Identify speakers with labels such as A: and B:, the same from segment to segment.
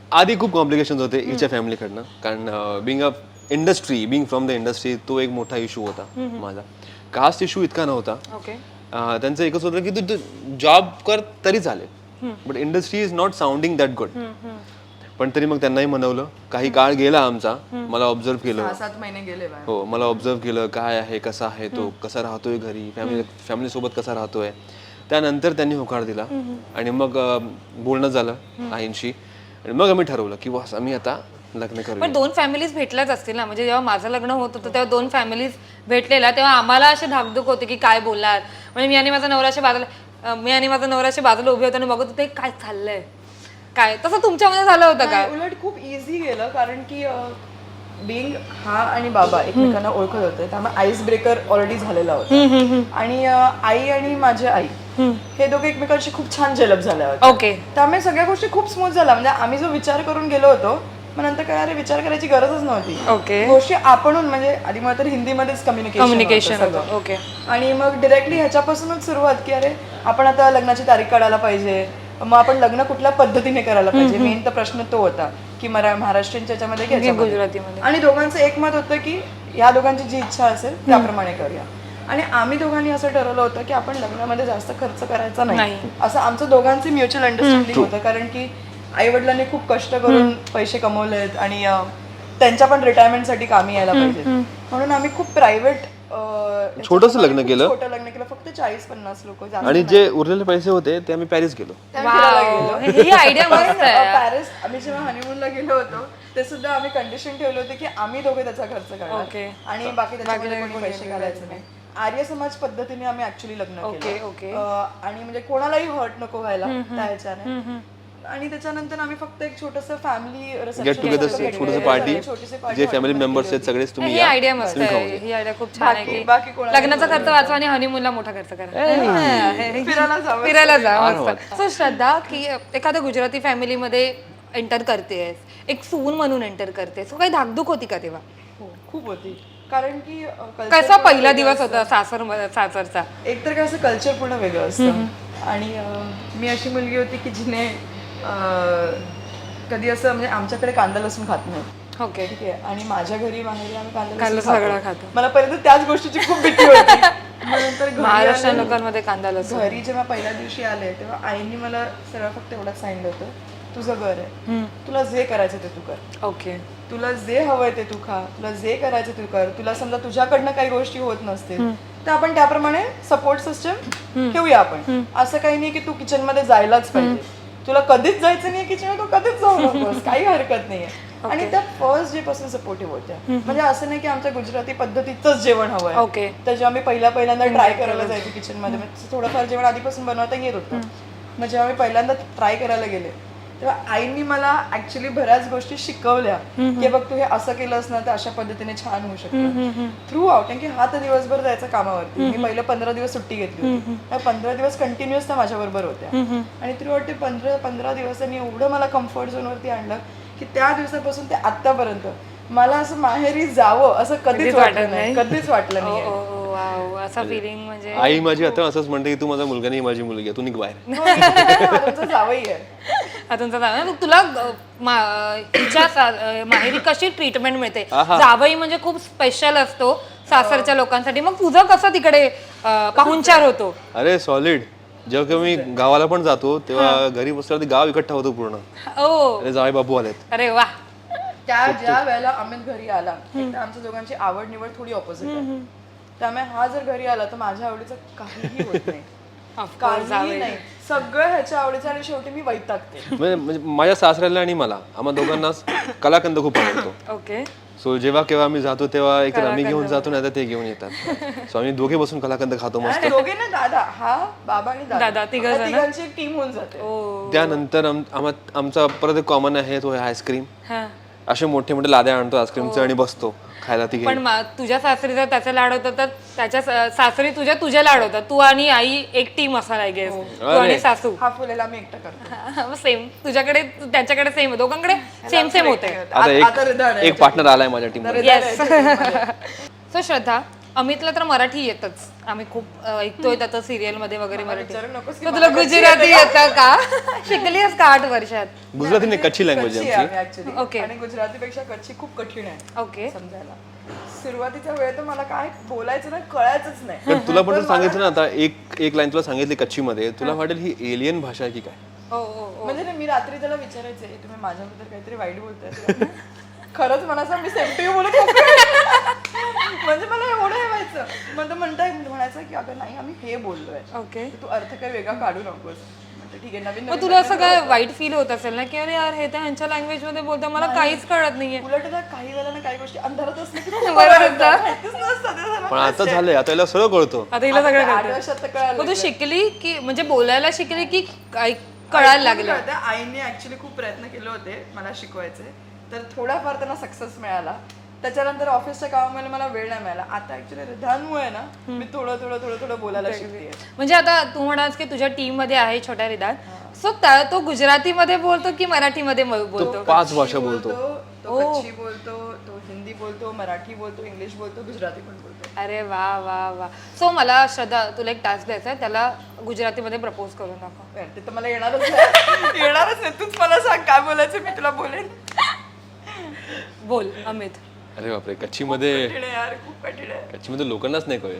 A: आधी खूप कॉम्प्लिकेशन्स होते हिच्या फॅमिलीकडनं, कारण बिंग फ्रॉम द इंडस्ट्री तो एक मोठा इशू होता माझा. कास्ट इशू इतका नव्हता. त्यांचं एकच होतं की तू जॉब कर तरी चालेल, but industry is not sounding that good. पण तरी मग त्यांनाही म्हणवलं. काही काळ गेला आमचा, मला ऑब्झर्व केलं.
B: 6-7 महिने गेले.
A: हो, मला ऑब्झर्व केलं काय आहे, कसा आहे तो, कसा राहतोय घरी, फॅमिली सोबत कसा राहतोय. त्यानंतर त्यांनी होकार दिला आणि मग बोलणं झालं आईंशी आणि मग आम्ही ठरवलं की बस आम्ही आता लग्न करू.
C: पण 2 फॅमिलीज भेटल्याच असतील ना, म्हणजे जेव्हा माझं लग्न होत होतं तेव्हा 2 फॅमिलीज भेटलेला, तेव्हा आम्हाला असे धाकधूक होते की काय बोलणार. म्हणजे मी आणि माझा नवऱ्याच्या बाजूला उभे होते आणि बघत होते काय चाललंय काय. तसं तुमच्यामध्ये झालं होतं का?
B: उलट खूप इझी गेलं, कारण की बिंग हा आणि बाबा एकमेकांना ओळखत होते, त्यामुळे आईस ब्रेकर ऑलरेडी झालेला होता. आणि आई आणि माझी आई हे दोघे एकमेकांशी खूप छान जेलप झाल्या होत्या.
C: ओके.
B: त्यामुळे सगळ्या गोष्टी खूप स्मूथ झाल्या. म्हणजे आम्ही जो विचार करून गेलो होतो, मग नंतर काय अरे विचार करायची गरजच नव्हती.
C: ओके.
B: गोष्टी आपणून म्हणजे आधी मला तर हिंदीमध्येच कम्युनिकेशन
C: होतं. ओके.
B: आणि मग डिरेक्टली ह्याच्यापासूनच सुरुवात की अरे आपण आता लग्नाची तारीख काढायला पाहिजे, मग आपण लग्न कुठल्या पद्धतीने करायला पाहिजे. मेन तर प्रश्न तो होता की महाराष्ट्रीयनच्या याच्यामध्ये की ह्याच्यामध्ये.
C: गुजरातीमध्ये.
B: आणि दोघांचं एक मत होतं की या दोघांची जी इच्छा असेल त्याप्रमाणे करूया. आणि आम्ही दोघांनी असं ठरवलं होतं की आपण लग्नामध्ये जास्त खर्च करायचा नाही, असं आमचं दोघांचं म्युच्युअल अंडरस्टँडिंग होतं. कारण की आई वडिलांनी खूप कष्ट करून पैसे कमवलेत आणि त्यांच्या पण रिटायरमेंटसाठी कामी यायला पाहिजे, म्हणून आम्ही खूप प्रायव्हेट
A: छोटंसं लग्न केलं.
B: छोटं लग्न केलं, फक्त 40-50 लोक.
A: आणि जे उरलेले पैसे होते ते आम्ही पॅरिस गेलो.
C: ही आयडिया मस्त आहे.
B: पॅरिस आम्ही जेव्हा हनीमूनला गेलो होतो ते सुद्धा आम्ही कंडिशन ठेवले होते की आम्ही दोघे त्याचा खर्च करणार आणि बाकी त्याच्यामध्ये कोणी पैसे घालायचे नाही. आर्य समाज पद्धतीने आम्ही ऍक्च्युअली लग्न केलं आणि म्हणजे कोणालाही हर्ट नको व्हायला त्या ह्याच्याने. आणि त्याच्यानंतर आम्ही फक्त एक छोटंसं फॅमिली
A: गेट टुगेदर, छोटंसं पार्टी, जे फॅमिली मेंबर्स आहेत सगळेच तुम्ही
C: ही
A: या.
C: आयडिया मस्त आहे. ही आयडिया खूप छान आहे की लग्नाचा खर्च वाचवा आणि हनीमूनला मोठा खर्च करा, फिरायला जा. मस्त. सो श्रद्धा, की एखाद्या गुजराती फॅमिलीमध्ये एंटर करतेस, एक सून म्हणून एंटर करते, सो काही धाकधूक होती का तेव्हा?
B: खूप होती. कारण की
C: कसा पहिला दिवस होता सासरचा?
B: एक तर कसं कल्चर पूर्ण वेगळं असतं आणि मी अशी मुलगी होती की जिने कधी असं म्हणजे आमच्याकडे कांदा लसूण खात नाही.
C: ओके.
B: ठीक आहे. आणि माझ्या घरी माहेरी आम्ही कांदा
C: कांदा
B: लसूण
C: सगळं खातो.
B: मला पहिल्यांदा त्याच गोष्टीची खूप भीती होती. नंतर
C: महाराष्ट्र लोकांमध्ये कांदा लसूण.
B: घरी जेव्हा पहिल्या दिवशी आले तेव्हा आईने मला सरळ फक्त एवढंच सांगितलं होतं, तुझं घर आहे, तुला जे करायचं ते तू कर.
C: ओके.
B: तुला जे हवंय ते तू खा, तुला जे करायचं तू कर. तुला समजा तुझ्याकडनं काही गोष्टी होत नसतील तर आपण त्याप्रमाणे सपोर्ट सिस्टम ठेवूया. आपण असं काही नाही की तू किचन मध्ये जायलाच पाहिजे, तुला कधीच जायचं नाही किचन, तू कधीच जाऊ नकोस, काही हरकत नाहीये. आणि त्या फर्स्ट डे पासून सपोर्टिव्ह होत्या. म्हणजे असं नाही की आमच्या गुजराती पद्धतीचंच जेवण हवंय.
C: ओके.
B: तर जेव्हा मी पहिल्यांदा ट्राय करायला जायचे किचन मध्ये, थोडंफार जेवण आधीपासून बनवता येत होतं. मग जेव्हा मी पहिल्यांदा ट्राय करायला गेले तेव्हा आईनी मला ऍक्च्युली बऱ्याच गोष्टी शिकवल्या की बघ तू हे असं केलंस ना तर अशा पद्धतीने छान होऊ शकतं थ्रू आउट. कारण की हा तर दिवसभर जायचा कामावरती. मी पहिलं 15 दिवस सुट्टी घेतली होती, त्या 15 दिवस कंटिन्युअस त्या माझ्या बरोबर होत्या. आणि थ्रू आउट ते 15 दिवसांनी एवढं मला कम्फर्ट झोन वरती आणलं की त्या दिवसापासून ते आतापर्यंत मला असं माहेरी जावं असं कधीच वाटलं नाही, कधीच वाटलं नाही.
C: असा फिलिंग म्हणजे
A: आई माझी आता असंच म्हणते की तू माझा मुलगा नाही, माझी मुलगी आहे, तू निघ बाहेर.
B: जावई आहे.
C: तुला हिच्या माहेरी कशी ट्रीटमेंट मिळते? जावई म्हणजे खूप स्पेशल असतो सासरच्या लोकांसाठी. मग तुझं कसं तिकडे पाहुणचार होतो?
A: अरे सॉलिड. जेव्हा मी गावाला पण जातो तेव्हा घरी बसल्यावरती गाव इकट्ठा होतो पूर्ण. अरे जावई बाबू आलेत.
C: अरे वा.
B: त्या ज्या वेळेला अमित घरी आला, आमच्या दोघांची आवड निवड थोडी ऑपोजिट आहे. त्यामुळे हा जर घरी आला तर माझ्या आवडीचं काहीही होत नाही, काहीही नाही, सगळं ह्याच्या आवडीचं. आणि शेवटी मी वैतागते.
A: म्हणजे माझ्या सासऱ्याला आणि मला आम्हा दोघांनाच कलाकंद खूप आवडतो.
C: ओके.
A: सो जेव्हा केव्हा आम्ही जातो तेव्हा एक आम्ही घेऊन जातो नाही तर ते घेऊन येतात. सो आम्ही दोघे बसून कलाकंद खातो मस्त.
B: दोघे ना, दादा, हा बाबा आणि दादा, तिघांची एक टीम होऊन जाते.
A: त्यानंतर आमचा परत एक कॉमन आहे तो आईस्क्रीम. असे मोठे मोठे लाद्या आणतो आईस्क्रीमचे आणि बसतो खायला. ती
C: पण तुझ्या सासरी जर त्याचे लाड होतं तर त्याच्या सासरी तुझे लाड होतात. तू आणि आई एक टीम असाल आय गेस. तू आणि सासू.
B: हा फुलेला मी एकटा करतो.
C: सेम. तुझ्याकडे त्यांच्याकडे सेम, दोघांकडे सेम सेम होते.
A: आता एक पार्टनर आलाय माझ्या टीम मध्ये.
C: सो श्रद्धा, अमितला तर मराठी येतच, आम्ही खूप ऐकतोय त्याचं सिरियल मध्ये वगैरे मराठी.
B: विचारू नकोस की
C: तर तुला गुजराती येतं का? शिकलीस का 8 वर्षात?
A: गुजराती नाही, कच्छी लँग्वेज
B: कच्छी
A: आहे
B: आहे actually.
C: Okay.
B: आणि गुजरातीपेक्षा कच्छी खूप कठीण आहे
C: ओके.
B: समजायला. सुरुवातीचा वेळ तर मला काय बोलायचं ना कळायचंच नाही.
A: पण तुला पण सांगितलं ना आता, एक लाईन तुला सांगितली कच्छी मध्ये, तुला वाटेल ही एलियन भाषा आहे की काय.
C: ओ ओ
B: म्हणजे ना मी रात्री त्याला विचारायचे तुम्ही माझ्याबद्दल काहीतरी वाईट बोलताय खरंच मला असं मी सेफ्टी बोलत म्हणजे मला एवढं हे व्हायचं म्हणायचं की अगं नाही आम्ही हे बोललोय
C: ओके.
B: तू अर्थ काही वेगळा काढू नकोस म्हणते ठीक आहे नवीन
C: मग तुला असं काय वाईट फील होत असेल ना की अरे यार हे तर ह्यांच्या लँग्वेज मध्ये बोलतात, मला काहीच कळत नाहीये.
B: उलट ना काही वेळेला ना काही गोष्टी अंधारात असल्या की
A: पण आता झालंय, आता याला सगळं कळतो.
C: आता हिला सगळं
B: 8 वर्षात तर कळालं
C: मग तू शिकली की म्हणजे बोलायला शिकली की काय कळायला लागलं?
B: आईने ऍक्च्युली खूप प्रयत्न केले होते मला शिकवायचे, तर थोडाफार त्यांना सक्सेस मिळाला. त्याच्यानंतर ऑफिसच्या कामामध्ये मला वेळ नाही मिळाला. आता ऍक्च्युली रिधानमुळे ना मी थोडं थोडं थोडं थोडं बोलायला शिकते.
C: म्हणजे आता तू म्हणास की तुझ्या टीम मध्ये आहे छोट्या रिदान, सो तो गुजराती मध्ये बोलतो की मराठी मध्ये बोलतो?
A: 5 भाषा बोलतो.
B: तो कच्छी बोलतो, तो हिंदी बोलतो, मराठी बोलतो, इंग्लिश बोलतो, गुजराती पण बोलतो.
C: अरे वा वा वा. सो मला श्रद्धा तुला एक टास्क द्यायचा आहे, त्याला गुजरातीमध्ये प्रपोज करून दाखव.
B: ते तर मला येणारच नाही येणारच नाही. तूच मला सांग काय बोलायचं मी तुला बोलेन.
C: बोल अमित.
A: अरे बापरे, कच्छी मध्ये,
B: कठीण आहे यार खूप कठीण आहे.
A: कच्छी मध्ये लोकांनाच नाही कळेल.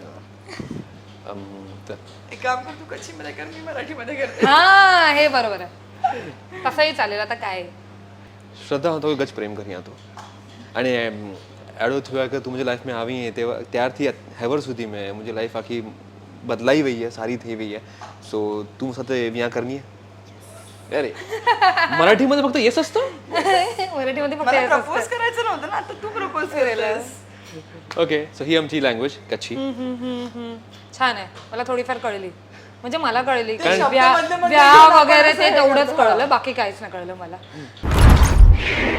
B: एक काम कर तू कच्छी मध्ये कर मी मराठी मध्ये करते.
C: हा हे बरोबर आहे, तसंही चालेल. आता काय
A: श्रद्धा तो गज प्रेम कर यहाँ तो અને એડો થયો કે તું मुझे लाइफ में આવી है તેવા ત્યારથી હેવર સુધી મેં मुझे लाइफ આખી બદલાઈ ગઈ है, સારી થઈ ગઈ है. સો તું સાથે यहाँ करनी है. अरे मराठीमध्ये फक्त येस असतं.
C: मराठीमध्ये फक्त
B: मला
C: येस
B: प्रपोज
C: असतं.
B: करायचं नव्हतं ना आता तू प्रपोज केलेस.
A: ओके, सो ही आमची लँग्वेज कच्छी.
C: छान आहे, मला थोडीफार कळली. म्हणजे मला कळली की
B: शब्द
C: व्या
B: मधले
C: व्या वगैरे ते तेवढंच कळलं, बाकी काहीच नाही कळलं मला.